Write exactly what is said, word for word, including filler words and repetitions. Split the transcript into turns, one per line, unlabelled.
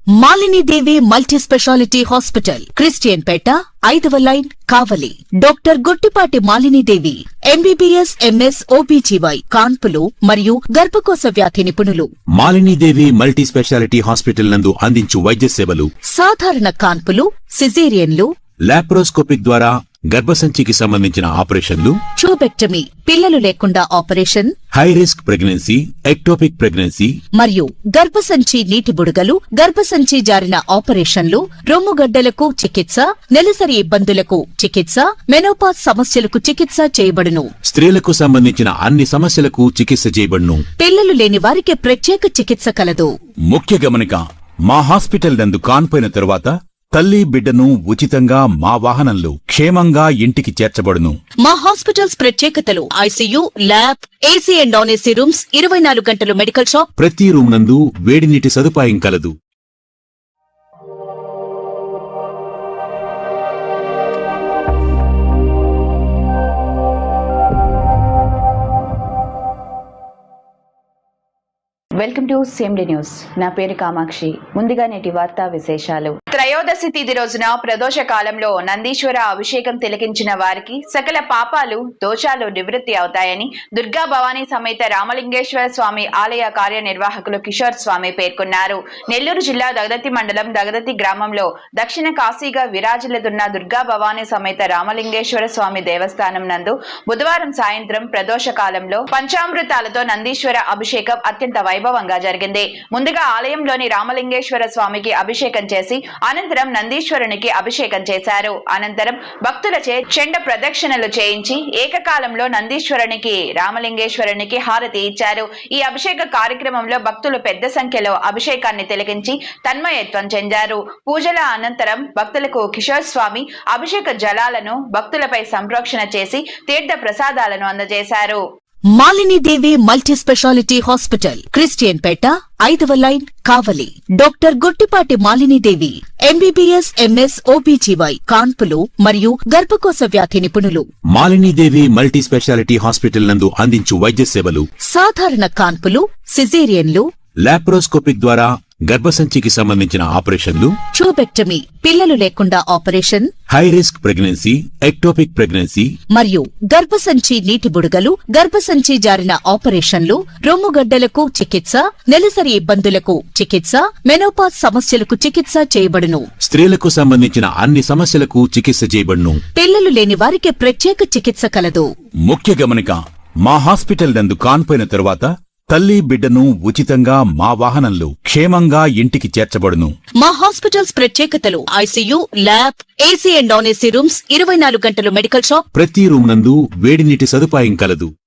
Malini Devi multi specialty hospital, Christian Peta, ఐదవ line, Kavali. Doctor Guttipati Malini Devi MBBS, MS, OBGY, కాన్పులు మరియు గర్భకోశ వ్యాధి నిపుణులు.
Malini Devi multi specialty hospital నందు అందించు వైద్య సేవలు:
సాధారణ కాన్పులు, సిజేరియన్లు,
లాప్రోస్కోపిక్ ద్వారా గర్భసంచికి సంబంధించిన ఆపరేషన్లు,
ట్యూబెక్టమీ, పిల్లలు లేకుండా operation,
high risk pregnancy, ectopic pregnancy
మరియు గర్భసంచి నీటి బుడగలు, గర్భసంచి జారిన ఆపరేషన్లు, రొమ్ముగడ్డలకు చికిత్స, నెలసరి ఇబ్బందులకు చికిత్స, మెనోపాజ్ సమస్యలకు చికిత్స చేయబడును.
స్త్రీలకు సంబంధించిన అన్ని సమస్యలకు చికిత్స చేయబడును.
పిల్లలు లేని వారికి ప్రత్యేక చికిత్స కలదు.
ముఖ్య గమనిక: మా హాస్పిటల్ నందు కాన్పోయిన తరువాత తల్లి బిడ్డను ఉచితంగా మా వాహనంలో క్షేమంగా ఇంటికి చేర్చబడును.
మా హాస్పిటల్స్ ప్రత్యేకతలు: ICU, lab, AC and non AC rooms, ఇరవై నాలుగు గంటలు మెడికల్ షాప్,
ప్రతి రూమ్ నందు వేడి నీటి సదుపాయం కలదు.
Welcome to CMD news. నా పేరు కామాక్షి. ముందుగా నేటి వార్తా విశేషాలు. త్రయోదశి తిథి రోజున ప్రదోష కాలంలో నందీశ్వర అభిషేకం తిలకించిన వారికి సకల పాపాలు, దోషాలు నివృత్తి అవుతాయని దుర్గా భవానీ సమేత రామలింగేశ్వర స్వామి ఆలయ కార్యనిర్వాహకులు కిషోర్ స్వామి పేర్కొన్నారు. నెల్లూరు జిల్లా దగదత్తి మండలం దగదత్తి గ్రామంలో దక్షిణ కాశీగా విరాజిల్లుతున్న దుర్గా భవానీ సమేత రామలింగేశ్వర స్వామి దేవస్థానం నందు బుధవారం సాయంత్రం ప్రదోష కాలంలో పంచామృతాలతో నందీశ్వర అభిషేకం అత్యంత వైభవంగా జరిగింది. ముందుగా ఆలయంలోని రామలింగేశ్వర స్వామికి అభిషేకం చేసి అనంతరం నందీశ్వరునికి అభిషేకం చేశారు. అనంతరం భక్తులచే చెండ ప్రదక్షిణలు చేయించి ఏకకాలంలో నందీశ్వరునికి, రామలింగేశ్వరునికి హారతి ఇచ్చారు. ఈ అభిషేక కార్యక్రమంలో భక్తులు పెద్ద సంఖ్యలో అభిషేకాన్ని తిలకించి తన్మయత్వం చెందారు. పూజల అనంతరం భక్తులకు కిషోర్ స్వామి అభిషేక జలాలను భక్తులపై సంప్రోక్షణ చేసి తీర్థ ప్రసాదాలను అందజేశారు.
Malini Devi multi specialty hospital, Christian Peta, ఐదవ line, Kavali. Doctor Guttipati Malini Devi MBBS, MS, OBGY, కాన్పులు మరియు గర్భకోశ వ్యాధి నిపుణులు.
Malini Devi multi specialty hospital నందు అందించు వైద్య సేవలు:
సాధారణ కాన్పులు, సిజేరియన్లు,
లాప్రోస్కోపిక్ ద్వారా గర్భసంచికి సంబంధించిన ఆపరేషన్లు,
ట్యూబెక్టమీ, పిల్లలు లేకుండా operation,
high risk pregnancy, ectopic pregnancy
మరియు గర్భసంచి నీటి బుడగలు, గర్భసంచి జారిన ఆపరేషన్లు, రొమ్ముగడ్డలకు చికిత్స, నెలసరి ఇబ్బందులకు చికిత్స, మెనోపాజ్ సమస్యలకు చికిత్స చేయబడును.
స్త్రీలకు సంబంధించిన అన్ని సమస్యలకు చికిత్స చేయబడును.
పిల్లలు లేని వారికి ప్రత్యేక చికిత్స కలదు.
ముఖ్య గమనిక: మా హాస్పిటల్ నందు కాన్పోయిన తరువాత తల్లి బిడ్డను ఉచితంగా మా వాహనంలో క్షేమంగా ఇంటికి చేర్చబడును.
మా హాస్పిటల్స్ ప్రత్యేకతలు: ICU, lab, AC and non AC rooms, ఇరవై నాలుగు గంటలు మెడికల్ షాప్,
ప్రతి రూమ్ నందు వేడి నీటి సదుపాయం కలదు.